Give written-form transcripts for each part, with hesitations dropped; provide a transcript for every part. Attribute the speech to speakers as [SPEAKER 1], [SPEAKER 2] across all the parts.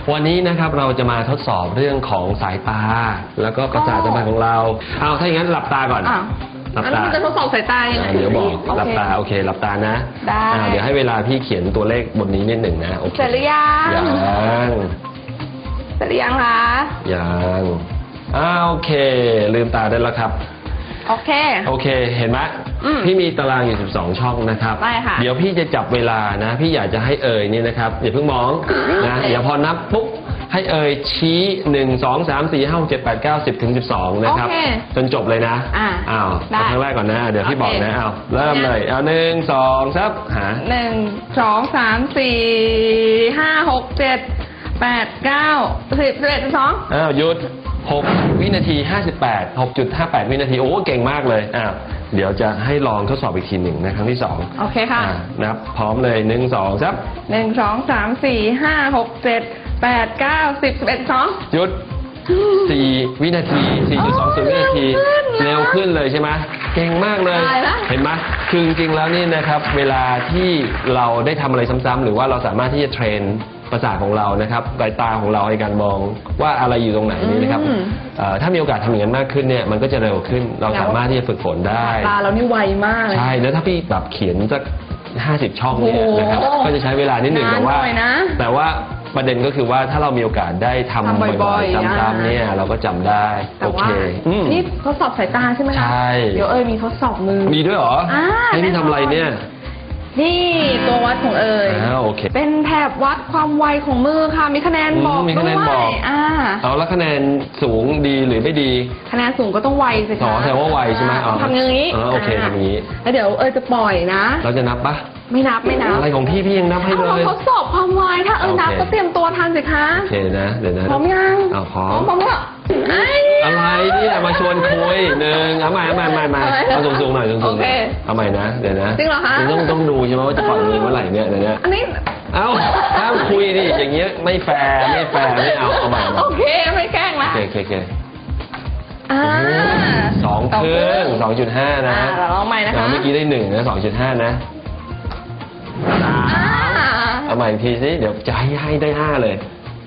[SPEAKER 1] วันนี้นะครับเราจะมาทดสอบเรื่องของสายตาแล้วก็ประสาทสัมผัสของเราเอาถ้าอย่างนั้นหลับตาก่อน
[SPEAKER 2] หลับตาแล้วมันจะทดสอบสายตายังไง
[SPEAKER 1] เดี๋ยวบอกหลับตาโอเคหลับตานะ
[SPEAKER 2] ได้
[SPEAKER 1] เดี๋ยวให้เวลาพี่เขียนตัวเลขบนนี้นิดหนึ่งนะโอเค
[SPEAKER 2] เสร็จหรือยังเสร็จหรือยังคะ
[SPEAKER 1] ยังโอเคลืมตาได้แล้วครับ
[SPEAKER 2] โอเค
[SPEAKER 1] เห็นไหมพี่มีตารางอยู่12ช่องนะครับ
[SPEAKER 2] ได้ค่ะ
[SPEAKER 1] เดี๋ยวพี่จะจับเวลานะพี่อยากจะให้นี่นะครับอย่าเพิ่งมองนะอย่าพอนับปุ๊บให้ชี้1 2 3 4 5 6 7 8 9 10ถึง12นะครับจนจบเลยนะครั้งแรกก่อนนะเดี๋ยวพี่บอกนะเริ่มเลย1 2 3หา
[SPEAKER 2] 1 2 3 4 5 6 7 8 9 10 11 12
[SPEAKER 1] หยุด6 วินาที 58 6.58 วินาทีโอ้เก่งมากเลยเดี๋ยวจะให้ลองทดสอบอีกทีหนึ่งนะครั้งที่2
[SPEAKER 2] โอเคค่ะ
[SPEAKER 1] นับพร้อมเลย1 2 3
[SPEAKER 2] 1 2 3 4 5 6 7 8 9 10 11 12
[SPEAKER 1] หยุด4 วินาที 4.20 วินาทีเร็วขึ้นเลยใช่ไหมเก่งมากเลยเห็นไหมคือจริงๆแล้วนี่นะครับเวลาที่เราได้ทำอะไรซ้ำๆหรือว่าเราสามารถที่จะเทรนประสาทของเรานะครับสายตาของเราในการมองว่าอะไรอยู่ตรงไหนนี่นะครับถ้ามีโอกาสทำอย่างนั้นมากขึ้นเนี่ยมันก็จะเร็วขึ้นเราสามารถที่จะฝึกฝนได้
[SPEAKER 2] ตาเรานี่ไวมาก
[SPEAKER 1] ใช่แล้วถ้าพี่แบบเขียนสัก50 ช่องเนี่ยนะครับก็จะใช้เวลานิดหนึ่งแต่ว่าประเด็นก็คือว่าถ้าเรามีโอกาสได้ทำบ่อยๆซ้ำๆเนี่ยเราก็จำได้โอเค
[SPEAKER 2] นี่ทดสอบสายตาใช่ไหมคะ
[SPEAKER 1] ใช่
[SPEAKER 2] เดี๋ยวมีทดสอบมือ
[SPEAKER 1] มีด้วยเหรอให้พี่ทำอะไรเนี่ย
[SPEAKER 2] นี่ตัววัดของ
[SPEAKER 1] โอเค
[SPEAKER 2] เป็นแถบวัดความไวของมือค่ะมีคะแนนบอก
[SPEAKER 1] มีคะแนนบอกแล้วคะแนนสูงดีหรือไม่ดี
[SPEAKER 2] คะแนนสูงก็ต้องไวสิคะ
[SPEAKER 1] แสดงว่าไวใช่ไหม
[SPEAKER 2] ทำอย่างนี้
[SPEAKER 1] โอเคทำอย่างนี้
[SPEAKER 2] แล้วเดี๋ยวจะปล่อยนะ
[SPEAKER 1] เราจะนับปะ
[SPEAKER 2] ไม่นับ
[SPEAKER 1] อะไรของพี่ยังนับให้เลย
[SPEAKER 2] ทดสอบความไวถ้านับก็เตรียมตัวทันสิคะ
[SPEAKER 1] โอเคนะเดี๋ยวนะ
[SPEAKER 2] พร้อมยัง
[SPEAKER 1] พร้อม
[SPEAKER 2] แล้ว
[SPEAKER 1] อะไรเนี่ยมาชวนคุยเอาใหม่เอาสูงๆหน่อยสูงๆเอาใหม่นะเดี๋ยวนะ
[SPEAKER 2] จริงเหรอคะ
[SPEAKER 1] ต้องดูใช่ไหมว่าจะปล่อยมือเมื่อไหร่เนี่ยเดี๋ยวนะ
[SPEAKER 2] อันนี้
[SPEAKER 1] ห้ามคุยดิอย่างเงี้ยไม่แฟร์ไม่เอาใหม่
[SPEAKER 2] โอเคไม่แกล้งละ
[SPEAKER 1] โอเค2 ครึ่ง 2.5 นะ
[SPEAKER 2] เราลองใหม่นะคะ
[SPEAKER 1] เมื่อกี้ได้1นะ 2.5 นะเอาใหม่อีกทีสิเดี๋ยวจะให้ได้5เลย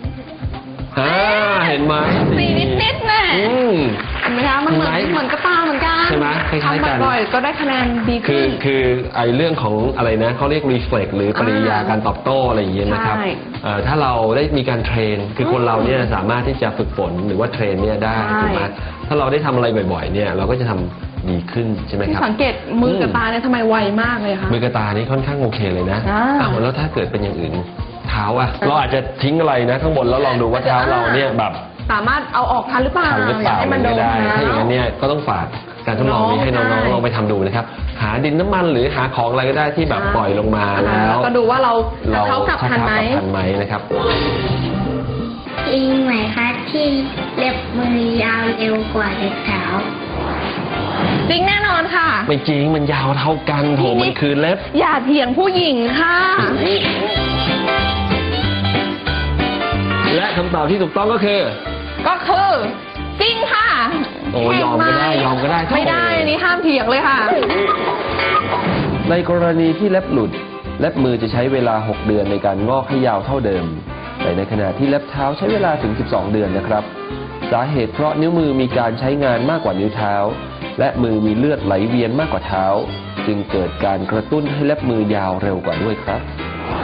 [SPEAKER 1] เห็นไหม
[SPEAKER 2] 4นิดๆนะเห็นไหมคะมันเหมือนกระตาเหมือนกัน
[SPEAKER 1] ใช่ไหมคล้ายๆกัน
[SPEAKER 2] บ่อยก็ได้คะแนนดีขึ้น
[SPEAKER 1] คือไอ้เรื่องของอะไรนะเขาเรียก reflex หรือปฏิกิริยาการตอบโต้อะไรอย่างเงี้ยนะครับถ้าเราได้มีการเทรนคือคนเราเนี่ยสามารถที่จะฝึกฝนหรือว่าเทรนเนี่ยได้ถูกไหมถ้าเราได้ทำอะไรบ่อยๆเนี่ยเราก็จะทำดีขึ้นใช่ไหมครับ
[SPEAKER 2] สังเกตมือกับตาเนี่ยทำไมไวมากเลยคะ
[SPEAKER 1] มือกับตานี่ค่อนข้างโอเคเลยนะแล้วถ้าเกิดเป็นอย่างอื่นเท้าเราอาจจะทิ้งอะไรนะข้างบนแล้วลองดูว่าเท้าเราเนี่ยแบบ
[SPEAKER 2] สามารถเอาออกทันหรือเปล่า
[SPEAKER 1] ให้มันโดนได้ถ้าอย่างนั้นเนี่ยก็ต้องฝากการทดลองนี้ให้น้องๆลองไปทำดูนะครับหาดินน้ำมันหรือหาของอะไรก็ได้ที่แบบปล่อยลงมาแล้ว
[SPEAKER 2] ก็ดูว่าเราเท้ากลับทัน
[SPEAKER 1] ไหมนะครับ
[SPEAKER 3] จริงไหมคะที่เล็บมือยาวเร็วกว่าเล็บเท้า
[SPEAKER 2] จริงแน่นอนค่ะ
[SPEAKER 1] ไม่จริงมันยาวเท่ากันโถมันคือเล็บ
[SPEAKER 2] อย่าเถียงผู้หญิงค่ะ
[SPEAKER 1] และคำตอบที่ถูกต้องก็คือ
[SPEAKER 2] จริงค่ะ
[SPEAKER 1] ยอมก็ได้
[SPEAKER 2] ไม่ได้อันนี้ห้ามเถียงเลยค่ะ
[SPEAKER 1] ในกรณีที่เล็บหลุดเล็บมือจะใช้เวลา6 เดือนในการงอกให้ยาวเท่าเดิมแต่ในขณะที่เล็บเท้าใช้เวลาถึง12 เดือนนะครับสาเหตุเพราะนิ้วมือมีการใช้งานมากกว่านิ้วเท้าและมือมีเลือดไหลเวียนมากกว่าเท้าจึงเกิดการกระตุ้นให้เล็บมือยาวเร็วกว่าด้วยครับ